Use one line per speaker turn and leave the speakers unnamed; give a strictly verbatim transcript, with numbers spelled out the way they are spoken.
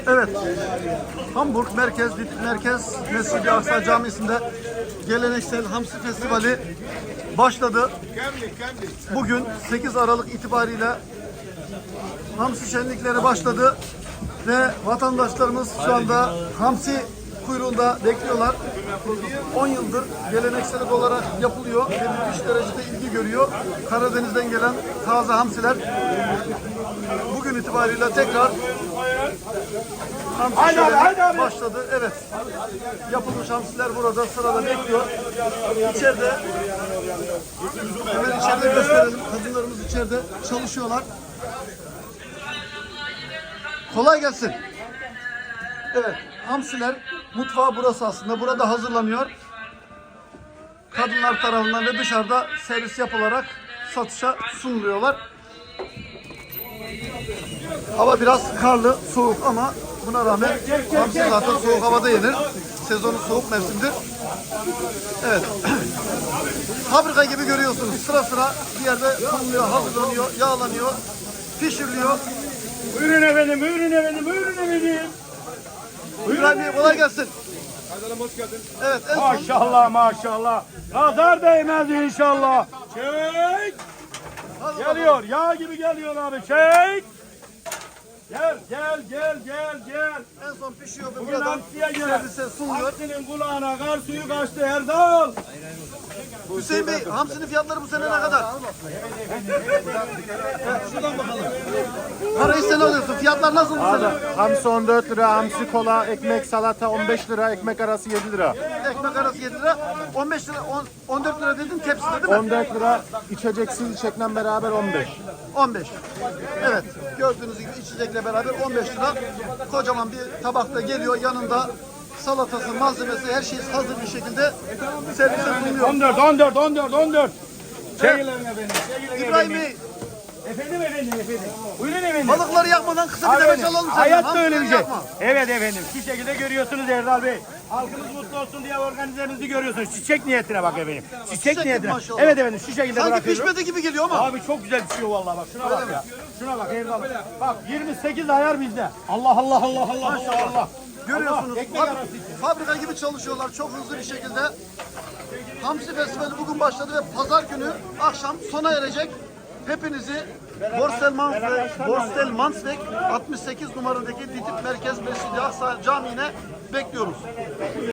Evet, Hamburg Merkez, Ditip Merkez Mescid-i Aksa Camisi'nde geleneksel Hamsi Festivali başladı. Bugün sekiz Aralık itibariyle Hamsi şenlikleri başladı ve vatandaşlarımız şu anda Hamsi kuyruğunda bekliyorlar. on yıldır geleneksel olarak yapılıyor ve müthiş derecede ilgi görüyor. Karadeniz'den gelen taze hamsiler bugün itibariyle tekrar hamsi şöleni başladı. Evet, yapılmış hamsiler burada sırada bekliyor. İçeride, hemen içeride gösterelim. Kadınlarımız içeride çalışıyorlar. Kolay gelsin. Evet, hamsiler mutfağı burası aslında. Burada hazırlanıyor. Kadınlar tarafından ve dışarıda servis yapılarak satışa sunuluyorlar. Hava biraz karlı, soğuk ama buna rağmen hamsi zaten soğuk havada yenir. Sezonun soğuk mevsimdir. Evet. Fabrika gibi görüyorsunuz. Sıra sıra bir yerde konuluyor, hazırlanıyor, yağlanıyor, pişiriliyor.
Buyurun efendim, buyurun efendim, buyurun efendim.
İbrahim Bey kolay gelsin.
Kaydanım hoş geldin.
Evet, en son
Maşallah maşallah. Nazar değmez inşallah. Çek. Geliyor, yağ gibi geliyor abi. Çek. Gel, gel, gel, gel, gel.
en son pişiyor ve
Bugün
buradan
hamsiye gel.
servise sunuluyor.
Hamsinin kulağına kar suyu kaçtı Erdal.
Hüseyin Bey, hamsinin fiyatları bu sene ne kadar? Şuradan bakalım. Parayı sen alıyorsun. Fiyatlar nasıl bu sene?
Hamsi on dört lira, hamsi kola, ekmek, salata on beş lira, ekmek arası yedi lira.
Ekmek arası yedi lira, on beş lira, on, on dört lira dedin tepside değil mi?
on dört lira, içeceksiz içekle beraber on beş.
on beş. Evet, gördüğünüz gibi içecekle beraber on beş lira. Kocaman bir tabakta geliyor, yanında salatası, malzemesi, her şey hazır bir şekilde servise sunuluyor.
on dört, on dört, on dört, on dört. Çekilin efendim, çekilin
İbrahim
efendim.
Bey,
Efendim efendim efendim. Buyurun efendim.
balıkları yakmadan kısa bir demeç alalım senden.
Hayatta öyle bir
Hamsileri
şey.
yakma.
Evet efendim. Şu şekilde görüyorsunuz Erdal Bey. Halkımız mutlu olsun diye organizemizi görüyorsunuz. Çiçek niyetine bak efendim. Çiçek,
Çiçek
niyetine.
maşallah.
Evet efendim şu şekilde
Sanki
bırakıyorum.
pişmedi gibi geliyor ama.
Abi çok güzel pişiyor vallahi bak. Şuna bak ya. Şuna bak Erdal. Bak yirmi sekiz ayar bizde. Allah Allah Allah Allah Allah Allah.
Görüyorsunuz,
Allah, ekmek
fab-
arası için.
fabrika gibi çalışıyorlar çok hızlı bir şekilde. Hamsi Festivali bugün başladı ve pazar günü akşam sona erecek. Hepinizi Borstel Mansweg, Borstel Mansweg altmış sekiz numaradaki Ditip Merkez Mescid-i Aksa Camii'ne bekliyoruz.